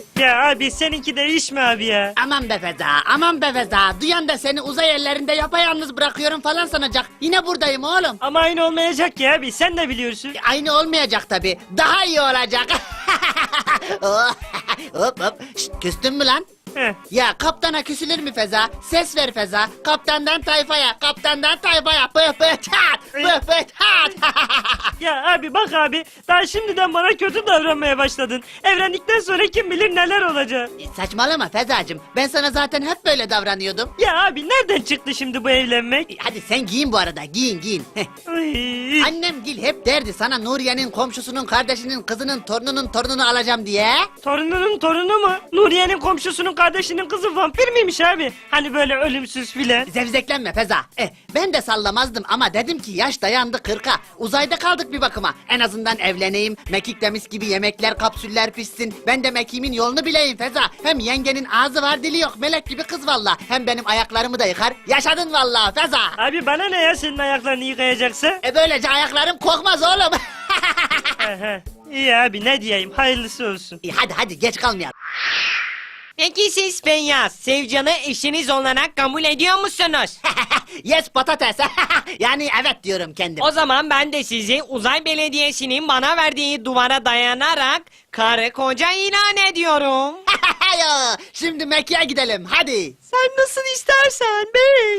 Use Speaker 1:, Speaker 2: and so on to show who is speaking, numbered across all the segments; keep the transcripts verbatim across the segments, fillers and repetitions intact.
Speaker 1: Ya abi seninki de iş mi abi ya?
Speaker 2: Aman be Feza, aman be Feza. Duyan da seni uzay ellerinde yapayalnız bırakıyorum falan sanacak. Yine buradayım oğlum.
Speaker 1: Ama aynı olmayacak ya abi, sen de biliyorsun.
Speaker 2: Aynı olmayacak tabii. Daha iyi olacak. Oh, hop hop. Şşt, küstün mü lan?
Speaker 1: Heh.
Speaker 2: Ya kaptana küsülür mü Feza? Ses ver Feza. Kaptandan tayfaya, kaptandan tayfaya. Pıh pıh çat, pıh pıh çat.
Speaker 1: Ya abi bak abi, daha şimdiden bana kötü davranmaya başladın. Evlendikten sonra kim bilir neler olacak.
Speaker 2: Saçmalama Fezacığım. Ben sana zaten hep böyle davranıyordum.
Speaker 1: Ya abi nereden çıktı şimdi bu evlenmek?
Speaker 2: Hadi sen giyin bu arada. Giyin giyin. Heh.
Speaker 1: Ay.
Speaker 2: Annem Gil hep derdi sana Nuriye'nin komşusunun kardeşinin kızının torununun torununu alacağım diye.
Speaker 1: Torununun torunu mu? Nuriye'nin komşusunun kardeşinin kızı vampir miymiş abi? Hani böyle ölümsüz filan.
Speaker 2: Zevzeklenme Feza. Eh, ben de sallamazdım ama dedim ki yaş dayandı kırka. Uzayda kaldık bir bakıma. En azından evleneyim. Mekik demiş gibi yemekler kapsüller pişsin. Ben de mekiğimin yolunu bileyim Feza. Hem yengenin ağzı var dili yok. Melek gibi kız valla. Hem benim ayaklarımı da yıkar. Yaşadın valla Feza.
Speaker 1: Abi bana ne ya senin ayaklarını yıkayacaksa?
Speaker 2: E böylece ayaklarım kokmaz oğlum.
Speaker 1: Aha. İyi abi ne diyeyim, hayırlısı olsun.
Speaker 2: İyi, hadi hadi geç kalmayalım.
Speaker 3: Peki siz Feyyaz, Sevcan'ı eşiniz olarak kabul ediyor musunuz?
Speaker 2: Yes patates. Yani evet diyorum kendim.
Speaker 3: O zaman ben de sizi Uzay Belediyesi'nin bana verdiği duvara dayanarak karı koca ilan ediyorum.
Speaker 2: Ya, şimdi Mekke'ye gidelim hadi.
Speaker 3: Sen nasıl istersen bey.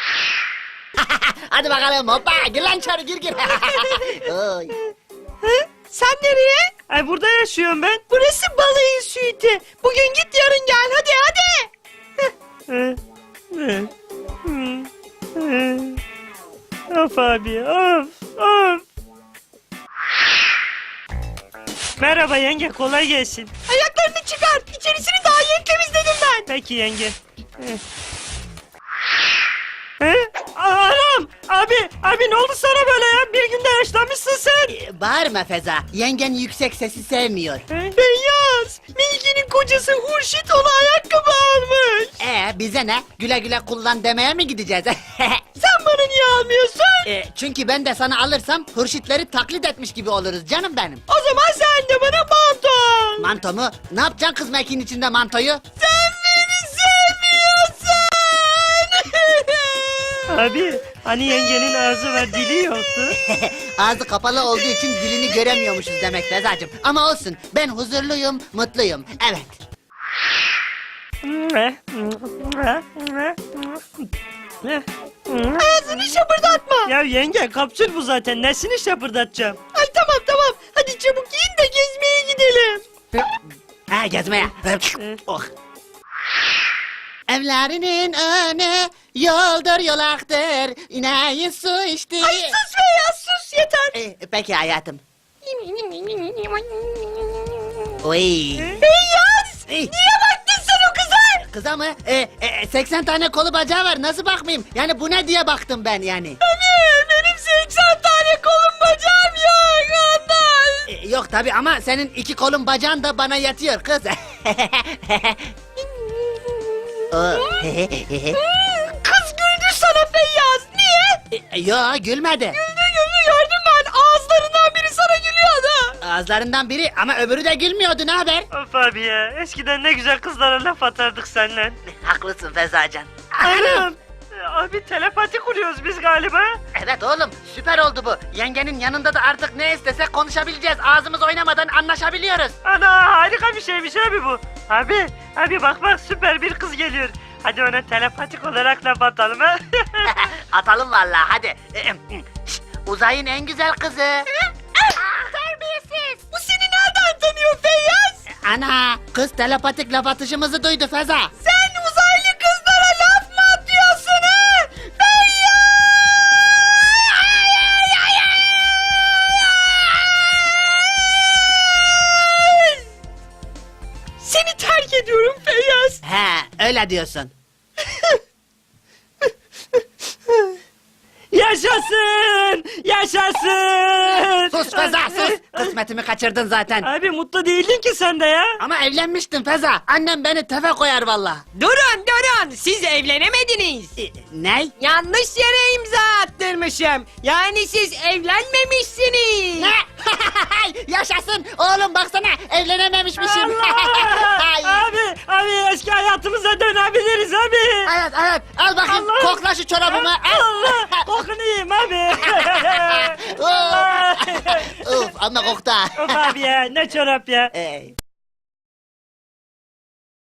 Speaker 2: Hadi bakalım hoppa gir lan içeri gir gir. Oy.
Speaker 3: Sen nereye?
Speaker 1: Ay burada yaşıyorum ben.
Speaker 3: Burası balayı suite. Bugün git yarın gel hadi hadi.
Speaker 1: Hı, hı, hı, hı. Of abi of of. Merhaba yenge, kolay gelsin.
Speaker 3: Ayaklarını çıkar. İçerisini daha yeni temizledim ben.
Speaker 1: Peki yenge. Hı. He? Aa, Anam! Abi! Abi ne oldu sana böyle ya? Bir günde yaşlanmışsın sen.
Speaker 2: Ee, Bağırma Feza. Yengen yüksek sesi sevmiyor.
Speaker 1: He?
Speaker 3: Feyyaz, Melike'nin kocası Hurşit ona ayakkabı almış.
Speaker 2: Ee bize ne? Güle güle kullan demeye mi gideceğiz?
Speaker 3: Sen bana niye almıyorsun?
Speaker 2: Ee, çünkü ben de sana alırsam hurşitleri taklit etmiş gibi oluruz canım benim.
Speaker 3: O zaman sen de bana manto al.
Speaker 2: Manto mu? Ne yapacaksın kız mekiğin içinde mantoyu?
Speaker 3: Sen beni sevmiyorsun.
Speaker 1: Abi hani yengenin ağzı var dili yoktu.
Speaker 2: Ağzı kapalı olduğu için dilini göremiyormuşuz demek Fezacığım. Ama olsun ben huzurluyum, mutluyum. Evet.
Speaker 3: Ağzını şapırdatma.
Speaker 1: Ya yenge kapsül bu zaten, nesini şapırdatacağım?
Speaker 3: Ay tamam tamam. Hadi çabuk giyin de gezmeye gidelim.
Speaker 2: Ha gezmeye. Oh. Evlerinin önü yoldur yolaktır. İneği su içti.
Speaker 3: Ay sus Feyyaz sus yeter.
Speaker 2: Ee, peki hayatım. Oy.
Speaker 3: Feyyaz.
Speaker 2: Ey,
Speaker 3: Niye baktın sen o kıza?
Speaker 2: kıza mı? Ee, e, seksen tane kolu bacağı var. Nasıl bakmayayım? Yani bu ne diye baktım ben yani.
Speaker 3: Hani benim seksen tane kolum bacağım yok ondan.
Speaker 2: Ee, yok tabi ama senin iki kolun bacağın da bana yatıyor kız. Oh.
Speaker 3: Kız güldü sana Feyyaz. Niye?
Speaker 2: Ee, Yo gülmedi.
Speaker 3: Güldü güldü gördüm ben. Ağızlarından biri sana gülüyordu.
Speaker 2: Ağızlarından biri ama öbürü de gülmüyordu. Ne haber?
Speaker 1: Of abi ya, eskiden ne güzel kızlara laf atardık seninle.
Speaker 2: Haklısın Fezacan.
Speaker 1: Anam! Abi telepati kuruyoruz biz galiba.
Speaker 2: Evet oğlum süper oldu bu. Yengenin yanında da artık ne istesek konuşabileceğiz. Ağzımız oynamadan anlaşabiliyoruz.
Speaker 1: Ana harika bir şeymiş abi bu. Abi, abi bak bak süper bir kız geliyor. Hadi ona telepatik olarak laf atalım ha.
Speaker 2: Atalım vallahi hadi. Şşt, uzayın en güzel kızı.
Speaker 3: Terbiyesiz. Bu seni nereden tanıyor Feyyaz?
Speaker 2: Ana kız telepatik laf atışımızı duydu Feza.
Speaker 3: Sen uzaylı kızlara laf mı atıyorsun ha? Feyyaz! Seni terk ediyorum Feyyaz.
Speaker 2: He öyle diyorsun.
Speaker 1: Yaşasın! Yaşasın!
Speaker 2: Sus Feza sus. Kısmetimi kaçırdın zaten.
Speaker 1: Abi mutlu değildin ki sen de ya.
Speaker 2: Ama evlenmiştim Feza. Annem beni tefe koyar valla.
Speaker 3: Durun durun siz evlenemediniz.
Speaker 2: E, ne?
Speaker 3: Yanlış yere imza attırmışım. Yani siz evlenmemişsiniz.
Speaker 2: Ne? Yaşasın. Oğlum baksana evlenememişmişim.
Speaker 1: Allah! hayatımıza dönebiliriz abi.
Speaker 2: Evet evet al bakayım
Speaker 1: Allah.
Speaker 2: kokla şu çorabımı.
Speaker 1: Allah kokunu yiyeyim abi.
Speaker 2: Of, of ama koktu ha.
Speaker 1: Of abi ya ne çorap ya.
Speaker 2: Ey.